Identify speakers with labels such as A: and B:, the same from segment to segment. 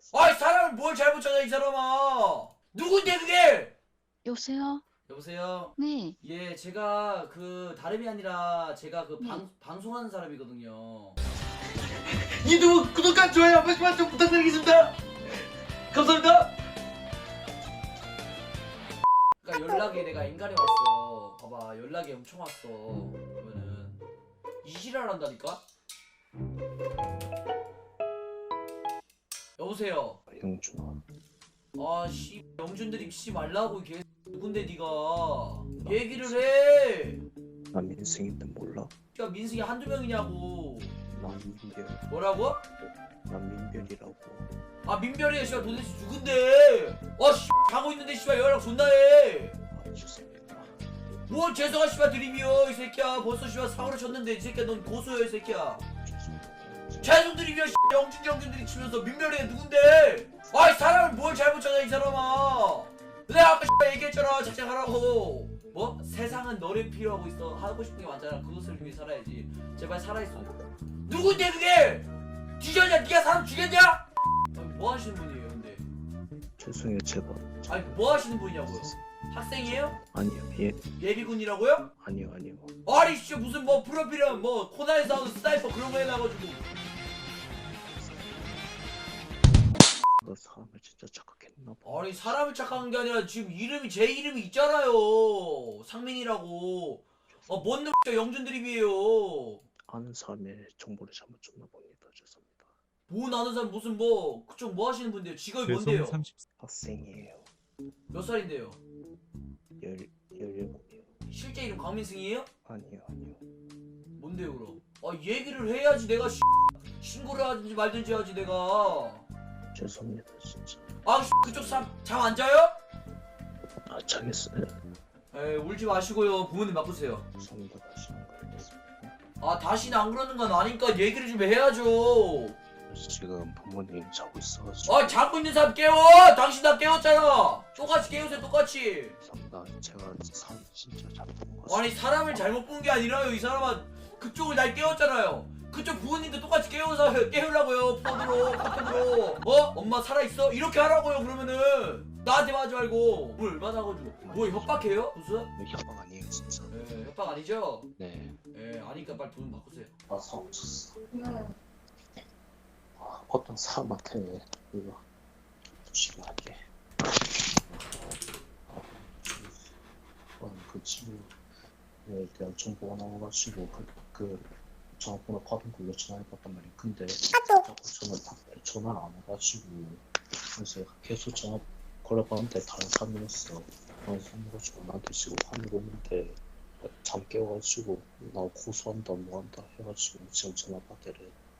A: 아이 사람을 뭘 잘못 찾아 이 사람아. 누군데 그게?
B: 여보세요?
A: 여보세요.
B: 네.
A: 예, 제가 그 다름이 아니라 제가 그
B: 네.
A: 방송하는 사람이거든요.
C: 유튜브 구독과 좋아요 한 번씩만 좀 부탁드리겠습니다. 감사합니다.
A: 그러니까 연락이 내가 인간이 왔어. 봐봐, 연락이 엄청 왔어. 그러면은 이시랄 한다니까. 여보세요.
D: 영준아,
A: 아씨, 영준들이 씨 말라고 개 누군데 니가 얘기를 해.
D: 나 민승인데 몰라?
A: 야 민승이 한두 명이냐고.
D: 나 민별,
A: 뭐라고?
D: 나 민별이라고.
A: 아 민별이 씨발 도대체 누군데? 씨 자고 있는데 씨발 연락 존나 해.
D: 아, 죄송합니다.
A: 뭘 죄송한 씨발 드림이여 이 새끼야. 벌써 씨발 사고를 쳤는데 이 새끼야 넌 고소여 이 새끼야.
D: 죄송합니다.
A: 죄송 드림이여 영준들이 치면서 민별이가 누군데? 아이 사람을 뭘 잘못 찾아 이 사람아. 내가 아까 씨발 얘기했잖아 작작하라고. 뭐? 세상은 너를 필요하고 있어. 하고 싶은 게 많잖아. 그것을 위해 살아야지. 제발 살아있어. 누군데 그게? 뒤졌냐? 네가 사람 죽였냐? 아니, 뭐 하시는 분이에요 근데?
D: 죄송해요, 제가.
A: 아니 뭐 하시는 분이냐고요? 학생이에요?
D: 아니요, 예,
A: 예비군이라고요?
D: 아니요, 아니요.
A: 아니 씨 무슨 뭐 프로필은 뭐 코나에서 하는 스나이퍼 그런 거 해놔가지고.
D: 너 사람을 진짜 착각했나 봐.
A: 아니 사람을 착각한 게 아니라 지금 이름이 제 이름이 있잖아요. 상민이라고. 뭔 놈 영준 드립이에요.
D: 아는 사람의 정보를 잘못 줬나 봅니다. 죄송합니다.
A: 뭐 나는 사람 무슨 뭐 그쪽 뭐 하시는 분인데요? 직업이 뭔데요?
E: 30...
D: 학생이에요.
A: 몇 살인데요?
D: 17이요.
A: 실제 이름 강민승이에요?
D: 아니요, 아니요.
A: 뭔데요 그럼? 얘기를 해야지 내가 신고를 하든지 말든지 하지 내가.
D: 죄송합니다, 진짜.
A: 그쪽 사람 잠 안 자요?
D: 아, 자겠어요.
A: 에이 울지 마시고요. 부모님 바꾸세요.
D: 죄송합니다. 다시 안 그러겠습니다.
A: 다시는 안 그러는 건 아니까 얘기를 좀 해야죠.
D: 지금 부모님 자고 있어가지고.
A: 자고 있는 사람 깨워! 당신 다 깨웠잖아! 똑같이 깨우세요, 똑같이!
D: 죄송합니다. 제가 사람 진짜 잘못 본것 같습니다.
A: 아니, 사람을 잘못 본 게 아니라요, 이 사람아. 그쪽을 날 깨웠잖아요. 그쪽 부모님도 똑같이 깨우려고요, 폰으로, 카톡으로. 엄마 살아있어? 이렇게 하라고요, 그러면은. 나한테만 하지 말고. 뭘 얼마나 가지고. 뭐 협박해요? 무슨?
D: 협박 아니에요, 진짜.
A: 협박 아니죠?
D: 네.
A: 아니까 빨리 돈 바꾸세요.
D: 나 사고 쳤어. 어떤 사람한테 이거 주식하게 그 친구에 대한 정보가 나와가지고 그 전화번호 받은 걸로 전화해봤단 말이야. 근데 자꾸 전화를 안 해가지고 그래서 계속 전화 걸어봤는데 다른 사람이었어. 다른 사람이가지고 나한테 지금 화를 오는데 잠 깨워가지고 나 고소한다 뭐한다 해가지고 지금 전화 받으래.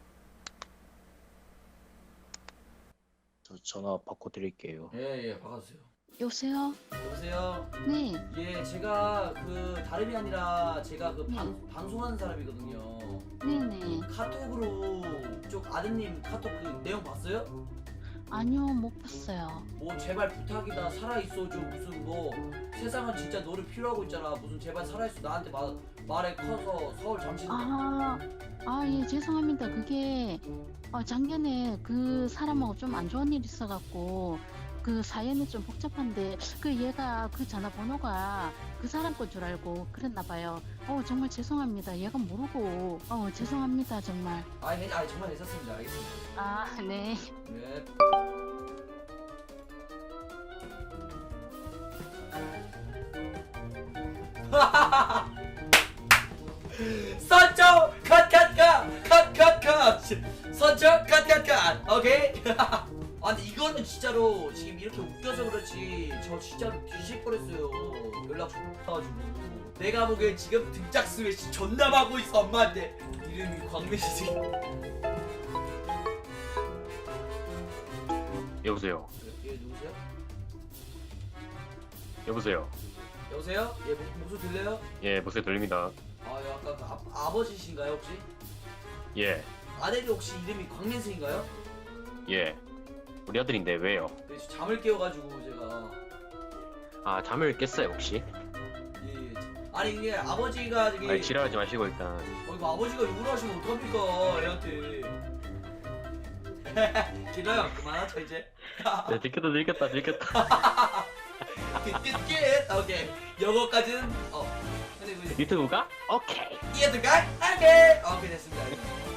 D: 저 전화 바꿔드릴게요.
A: 예, 바꿔주세요.
B: 여보세요?
A: 여보세요?
B: 네.
A: 예, 제가 그 다름이 아니라 제가 그
B: 네.
A: 방송하는 사람이거든요.
B: 네네.
A: 카톡으로 쪽 아드님 카톡 그 내용 봤어요?
B: 아니요, 못 봤어요.
A: 뭐 제발 부탁이다 살아있어 좀 무슨 뭐 세상은 진짜 너를 필요하고 있잖아 무슨 제발 살아있어 나한테 말에 커서 서울 잠시
B: 예, 죄송합니다. 그게, 작년에 그 사람하고 좀 안 좋은 일 있어갖고, 그 사연이 좀 복잡한데, 얘가 그 전화번호가 그 사람 건 줄 알고 그랬나봐요. 정말 죄송합니다. 얘가 모르고, 죄송합니다, 정말.
A: 아니 정말 괜찮습니다. 알겠습니다.
B: 네.
A: 네. 선정 컷 선정 컷 오케이. 근데 이거는 진짜로 지금 이렇게 웃겨서 그렇지 저 진짜로 뒤질 뻔했어요. 연락 줘가지고 내가 보기엔 지금 등짝 스매시 존나 하고 있어 엄마한테. 이름이 광민씨.
E: 여보세요.
A: 예 누구세요?
E: 여보세요.
A: 여보세요? 예 목소리 들려요?
E: 예, 목소리 들립니다.
A: 약간 그 아버지신가요 혹시?
E: 예,
A: 아들이 혹시 이름이 광민승인가요?
E: 예. 우리 아들인데 왜요?
A: 네, 저 잠을 깨워가지고 제가
E: 아, 잠을 깼어요 혹시?
A: 예. 아니 이게 아버지가 저기
E: 아니, 지랄하지 마시고 일단.
A: 이거 아버지가 욕을 하시면 어떡합니까 애한테. 길어요. 그만하죠 이제.
E: 네, 들켰다 들켰다.
A: 끝. 오케이. 요거까지는 근데 그
E: 유튜브가? 오케이.
A: 이해될까? 오케이. 오케이 됐습니다.